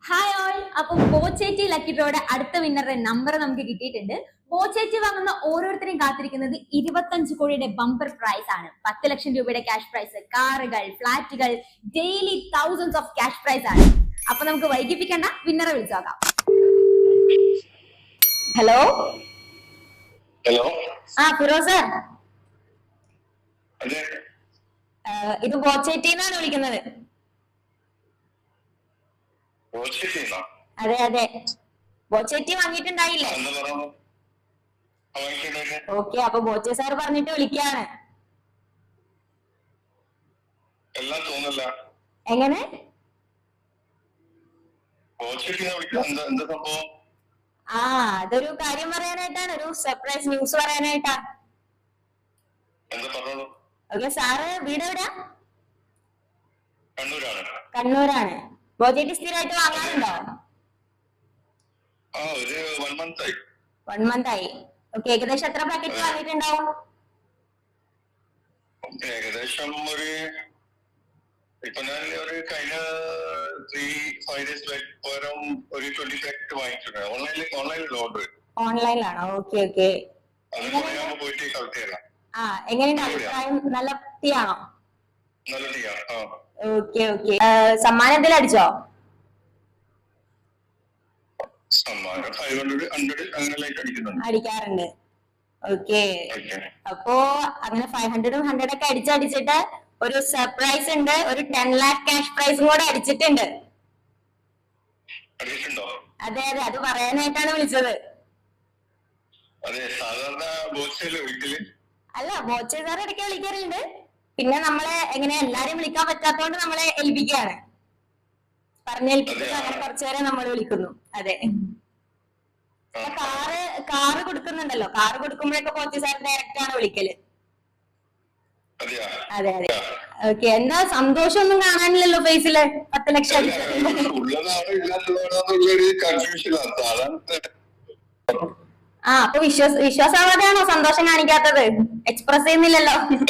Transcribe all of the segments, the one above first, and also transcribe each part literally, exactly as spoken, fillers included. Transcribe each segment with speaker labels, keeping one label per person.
Speaker 1: Hi all. അപ്പൊ Boche Tea lucky ഡ്രോയുടെ അടുത്ത വിന്നറുടെ number നമുക്ക് കിട്ടിയിട്ടുണ്ട്. ബോച്ചേറ്റി വാങ്ങുന്ന ഓരോരുത്തരെയും കാത്തിരിക്കുന്നത് ഇരുപത്തഞ്ച് കോടിയുടെ ബമ്പർ പ്രൈസ് ആണ്. പത്ത് ലക്ഷം രൂപയുടെ ക്യാഷ് പ്രൈസ്, കാറുകൾ, ഫ്ലാറ്റുകൾ, daily thousands of cash prize ആണ്. അപ്പൊ നമുക്ക് വൈകിപ്പിക്കണ്ട, വിന്നറെ വിളിച്ചു നോക്കാം. ഹലോ
Speaker 2: ഹലോ
Speaker 1: ആ ഫിറോസ്, ഇത് ബോച്ചേറ്റി എന്നാണ് വിളിക്കുന്നത്. അതെ അതെ, ബോച്ചേറ്റി വാങ്ങിയിട്ടുണ്ടായില്ലേ? ഓക്കെ, അപ്പൊ ബോച്ചെ സാർ പറഞ്ഞിട്ട് വിളിക്കാണ്. എങ്ങനെ? ആ അതൊരു കാര്യം പറയാനായിട്ടാണ്, ഒരു സർപ്രൈസ് ന്യൂസ് പറയാനായിട്ടാ. ഓക്കെ, സാറ് വീട് എവിടെയാ? കണ്ണൂരാണ്. ബോച്ചേറ്റി സ്ഥിരമായിട്ട് വാങ്ങാറുണ്ടോ? വൺ മന്ത് ആയി. ഓക്കെ, ഏകദേശം എത്ര പാക്കറ്റ് വാങ്ങിയിട്ടുണ്ടാവും?
Speaker 2: ഏകദേശം ഒരു ഇപ്പൊ ഞാൻ ഒരു കഴിഞ്ഞ ത്രീ ഫൈവ് ഡേയ്സ് പകരം ഒരു ട്വന്റി പാക്കറ്റ് വാങ്ങിച്ചിട്ടുണ്ട്. ഓൺലൈനിൽ ഓൺലൈനിൽ ഓർഡർ.
Speaker 1: ഓൺലൈനിലാണോ? Okay okay.
Speaker 2: പോയിട്ട് കളക്ട് ചെയ്യാം.
Speaker 1: ആ എങ്ങനെയുണ്ട് അഭിപ്രായം? നല്ല ടീയാണോ?
Speaker 2: നല്ല ടീയാ.
Speaker 1: Okay okay. സമ്മാനം എന്തെങ്കിലും അടിച്ചോ?
Speaker 2: സമ്മാനം ഫൈവ് ഹൺഡ്രഡ് ഹൺഡ്രഡ് അങ്ങനെ ലൈറ്റ് അടിക്കുന്നുണ്ട്.
Speaker 1: അടിക്കാറുണ്ട്. ഓക്കെ, അപ്പോ അങ്ങനെ ഫൈവ് ഹൺഡ്രഡും ഹൺഡ്രഡ് ഒക്കെ അടിച്ചടിച്ചിട്ട് ഒരു സർപ്രൈസ് ഉണ്ട്. ഒരു ടെൻ ലാക്ക് ക്യാഷ് പ്രൈസും കൂടെ അടിച്ചിട്ടുണ്ട്. അതെ അതെ, അത് പറയാനായിട്ടാണ് വിളിച്ചത്. അല്ല, ബോച്ചെ സാർ ഇടയ്ക്ക് വിളിക്കാറുണ്ട്. പിന്നെ നമ്മളെ എങ്ങനെ എല്ലാരും വിളിക്കാൻ പറ്റാത്തോണ്ട് നമ്മളെ ഏൽപ്പിക്കുകയാണ്, പറഞ്ഞേൽപ്പിച്ചിട്ട് അങ്ങനെ കുറച്ചുപേരെ നമ്മൾ വിളിക്കുന്നു. അതെ, കാറ് കാറ് കൊടുക്കുന്നുണ്ടല്ലോ, കാറ് കൊടുക്കുമ്പോഴൊക്കെ ബോച്ചെ സാർ ഡയറക്റ്റ് ആണ് വിളിക്കല്. അതെ അതെ. ഓക്കെ, എന്താ സന്തോഷമൊന്നും കാണാനില്ലല്ലോ ഫേസില്? പത്ത് ലക്ഷം ആ അപ്പൊ വിശ്വാസ വിശ്വാസാവാതെയാണോ സന്തോഷം കാണിക്കാത്തത്? എക്സ്പ്രസ് ചെയ്യുന്നില്ലല്ലോ.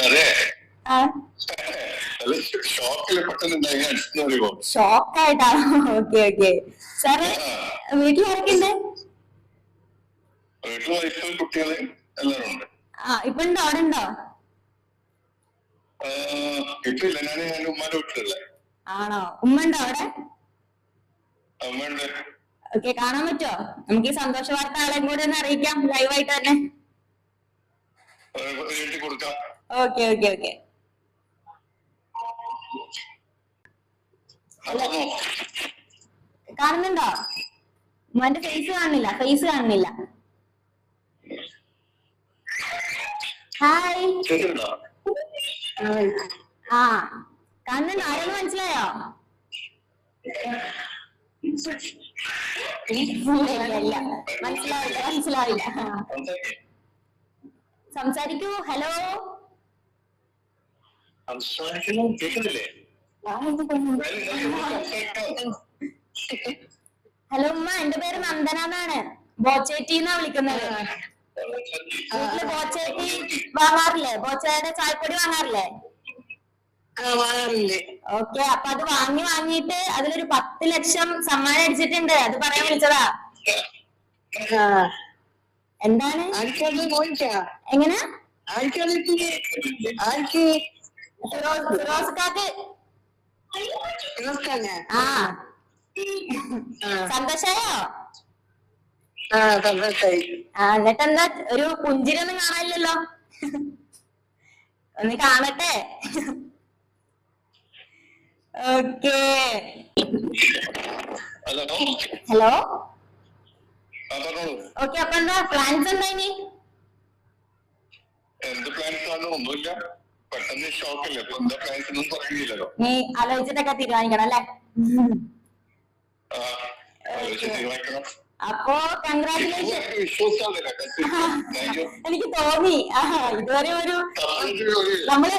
Speaker 1: ഷോക്കായിട്ടാണോ? Okay okay. സാറ് വീട്ടിൽ ആരൊക്കെയുണ്ട്? ആ ഇപ്പൊ ഉണ്ടോ? അവിടെ ഉണ്ടോ? ആണോ? ഉമ്മ ഉണ്ടോ അവിടെ? ഓക്കെ, കാണാൻ പറ്റുമോ? നമുക്ക് ഈ സന്തോഷ വാർത്ത ആളെയും കൂടെ ഒന്ന് അറിയിക്കാം ലൈവായിട്ട് തന്നെ. Okay okay okay. കാണുന്നുണ്ടോ? ഉമ്മാന്റെ ഫേസ് കാണുന്നില്ല, ഫേസ് കാണുന്നില്ല. ഹായ്. ആ കാണുന്നുണ്ടോ? ആരെന്ന് മനസ്സിലായോ? മനസ്സിലാവില്ല മനസ്സിലാവില്ല. സംസാരിക്കൂ. ഹലോ ഹലോ ഉമ്മ, എന്റെ പേര് നന്ദന എന്നാണ്. ബോച്ചേറ്റി എന്നാ വിളിക്കുന്നത്. വീട്ടില് ബോച്ചേറ്റി വാങ്ങാറില്ലേ? ബോച്ചയുടെ ചായപ്പൊടി വാങ്ങാറില്ലേ? ഓക്കെ, അപ്പൊ അത് വാങ്ങി വാങ്ങിയിട്ട് അതിലൊരു പത്ത് ലക്ഷം സമ്മാനം അടിച്ചിട്ടുണ്ട്. അത് പറയാൻ വിളിച്ചതാ. എന്താണ്? എങ്ങനെ? ഫിറോസ്ക്കാക്ക്. ആ സന്തോഷായോ? ആ എന്നിട്ടെന്താ ഒരു പുഞ്ചിരൊന്നും കാണാനില്ലല്ലോ? ഒന്ന് കാണട്ടെ. ഓക്കെ. ഹലോ. ഓക്കെ, അപ്പൊ എന്താ പ്ലാൻസ്? എന്താ ഇനി? നീ ആലോചിച്ചിട്ടൊക്കെ തീരുമാനിക്കണം അല്ലേ? അപ്പോ കൺഗ്രാറ്റുലേഷൻ. എനിക്ക് തോന്നി. ആ ഇതുവരെ ഒരു നമ്മള്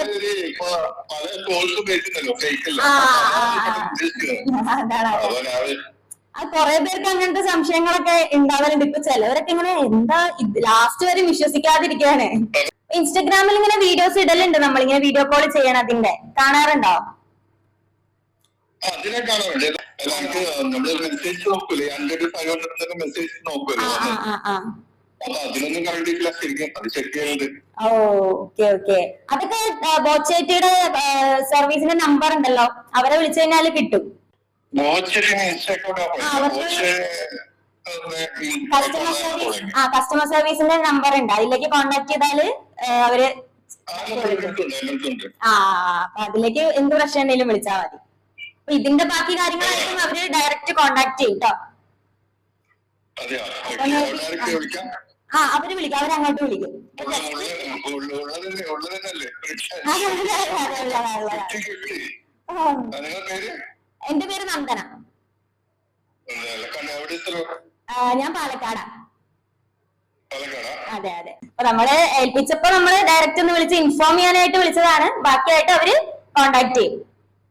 Speaker 1: ആ കൊറേ പേർക്ക് അങ്ങനത്തെ സംശയങ്ങളൊക്കെ ഉണ്ടാവലുണ്ട്. ഇപ്പൊ ചിലവരൊക്കെ ഇങ്ങനെ എന്താ ലാസ്റ്റ് വരെ വിശ്വസിക്കാതിരിക്കാണ്. ഇൻസ്റ്റഗ്രാമിൽ ഇങ്ങനെ വീഡിയോസ് ഇടലുണ്ട്, നമ്മളിങ്ങനെ വീഡിയോ കോൾ ചെയ്യണം. അതിന്റെ കാണാറുണ്ടോ?
Speaker 2: അതിനെ കാണാറുണ്ട്. എനിക്ക് നമ്മള് മെസ്സേജ് നോക്കൂലേ, ഹൺഡ്രഡ് ഫൈവ് ഹൺഡ്രഡ് മെസ്സേജ് നോക്കുമല്ലോ, അപ്പൊ അതിലൊന്നും കണ്ടിട്ടില്ല ശരിക്കും. അത് ചെക്ക് ചെയ്യുന്നത്.
Speaker 1: Okay okay. അതൊക്കെ ബോച്ചേറ്റിയുടെ സർവീസിന്റെ നമ്പർ ഉണ്ടല്ലോ, അവരെ വിളിച്ചു കഴിഞ്ഞാൽ കിട്ടും. കസ്റ്റമർ സർവീസ് ആ കസ്റ്റമർ സർവീസിന്റെ നമ്പർ ഉണ്ട്, അതിലേക്ക് കോണ്ടാക്ട് ചെയ്താല് അവര് ആ അപ്പൊ അതിലേക്ക് എന്ത് പ്രശ്നം ഉണ്ടെങ്കിലും വിളിച്ചാൽ മതി. അപ്പൊ ഇതിന്റെ ബാക്കി കാര്യങ്ങളായിട്ടും അവര് ഡയറക്റ്റ് കോണ്ടാക്ട് ചെയ്യും കേട്ടോ. ആ അവര് വിളിക്കും, അവരങ്ങോട്ട് വിളിക്കും. എന്റെ പേര് നന്ദന. ഞാൻ പാലക്കാടാ. അതെ അതെ. അപ്പൊ നമ്മള് ഏൽപ്പിച്ചപ്പോ നമ്മള് ഡയറക്റ്റ് ഒന്ന് വിളിച്ച് ഇൻഫോം ചെയ്യാനായിട്ട് വിളിച്ചതാണ്. ബാക്കിയായിട്ട് അവര് കോണ്ടാക്ട് ചെയ്യും.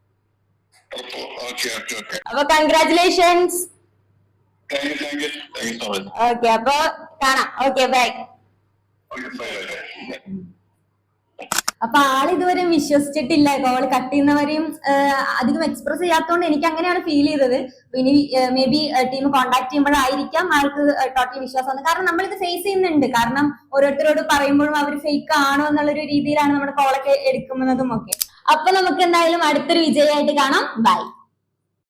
Speaker 1: അപ്പൊ കൺഗ്രാറ്റുലേഷൻസ്. ഓക്കെ അപ്പൊ കാണാം. Okay bye. അപ്പൊ ആൾ ഇതുവരെ വിശ്വസിച്ചിട്ടില്ല, കോൾ കട്ട് ചെയ്യുന്നവരെയും അധികം എക്സ്പ്രസ് ചെയ്യാത്തതുകൊണ്ട് എനിക്ക് അങ്ങനെയാണ് ഫീൽ ചെയ്തത്. ഇനി മേ ബി ടീം കോൺടാക്ട് ചെയ്യുമ്പോഴായിരിക്കാം ആൾക്ക് ടോട്ടൽ വിശ്വാസം വന്നത്. കാരണം നമ്മളിത് ഫേസ് ചെയ്യുന്നുണ്ട്. കാരണം ഓരോരുത്തരോട് പറയുമ്പോഴും അവർ ഫേക്ക് ആണോ എന്നുള്ളൊരു രീതിയിലാണ് നമ്മുടെ കോളൊക്കെ എടുക്കുന്നതും ഒക്കെ. അപ്പൊ നമുക്ക് എന്തായാലും അടുത്തൊരു വിജയമായിട്ട് കാണാം. ബൈ.